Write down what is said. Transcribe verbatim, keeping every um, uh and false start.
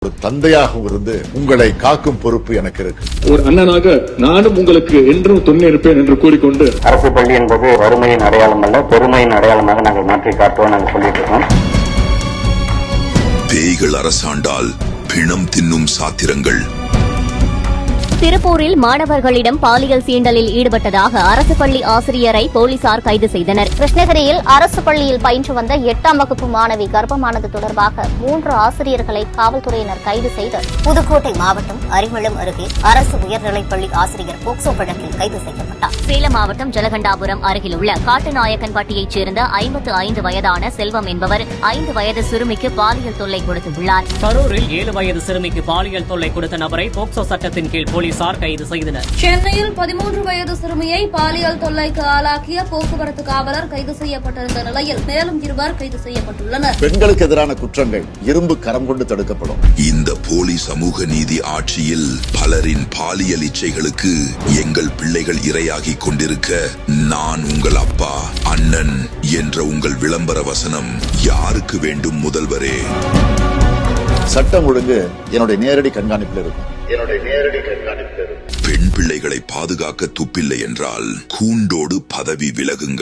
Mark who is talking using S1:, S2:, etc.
S1: ஒரு தந்தையாகவும் இருந்து உங்களை காக்கும் பொறுப்பு எனக்கு இருக்கு.
S2: ஒரு அண்ணனாக நானும் உங்களுக்கு என்றும் துணை இருப்பேன் என்று கூறிக்கொண்டு,
S3: அரசு பள்ளி என்பது வறுமையின் அடையாளம் அல்ல, பெருமையின் அடையாளமாக நாங்கள் மாற்றி காட்டுவோம் நாங்கள் சொல்லிட்டு இருக்கோம்.
S4: பேய்கள் அரசாண்டால் பிணம் தின்னும் சாத்திரங்கள்.
S5: திருப்பூரில் மாணவர்களிடம் பாலியல் சீண்டலில் ஈடுபட்டதாக அரசு பள்ளி ஆசிரியரை போலீசார் கைது செய்தனர்.
S6: கிருஷ்ணகிரியில் அரசு பள்ளியில் பயின்று வந்த எட்டாம் வகுப்பு மாணவி கர்ப்பமானது தொடர்பாக மூன்று ஆசிரியர்களை காவல்துறையினர் கைது செய்து புதுக்கோட்டை மாவட்டம் அரிமளம் அருகே அரசு உயர்நிலைப்பள்ளி ஆசிரியர் போக்சோ வழக்கில் கைது செய்யப்பட்டார்.
S5: சேலம் மாவட்டம் ஜலகண்டாபுரம் அருகில் உள்ள காட்டுநாயக்கன்பட்டியைச் சேர்ந்த ஐம்பத்து ஐந்து வயதான செல்வம் என்பவர் ஐந்து வயது சிறுமிக்கு பாலியல் தொல்லை கொடுத்துள்ளார்.
S7: கரூரில் ஏழு வயது சிறுமிக்கு பாலியல் தொல்லை கொடுத்த நபரை போக்சோ சட்டத்தின் கீழ் போலீசார் கைது செய்தனர்.
S8: சென்னையில் பதிமூன்று வயது சிறுமியை பாலியல் தொல்லைக்கு ஆளாக்கிய போக்குவரத்து காவலர் கைது செய்யப்பட்டிருந்த நிலையில் மேலும் இருவர் கைது செய்யப்பட்டுள்ளனர்.
S1: பெண்களுக்கு எதிரான குற்றங்கள் இரும்பு கரம் கொண்டு தடுக்கப்படும்.
S4: இந்த போலி சமூக நீதி ஆட்சியில் பலரின் பாலியல் இச்சைகளுக்கு எங்கள் பிள்ளைகள் இரையாகி கொண்டிருக்க நான் உங்கள் அப்பா அண்ணன் என்ற உங்கள் விளம்பர வசனம் யாருக்கு வேண்டும் முதல்வரே?
S1: சட்டம் ஒழுங்கு என்னுடைய நேரடி கண்காணிப்பில் இருக்கும். என்னுடைய நேரடி கண்காணிப்பில் இருக்கும்.
S4: பெண் பிள்ளைகளை பாதுகாக்க துப்பில்லை என்றால் கூண்டோடு பதவி விலகுங்கள்.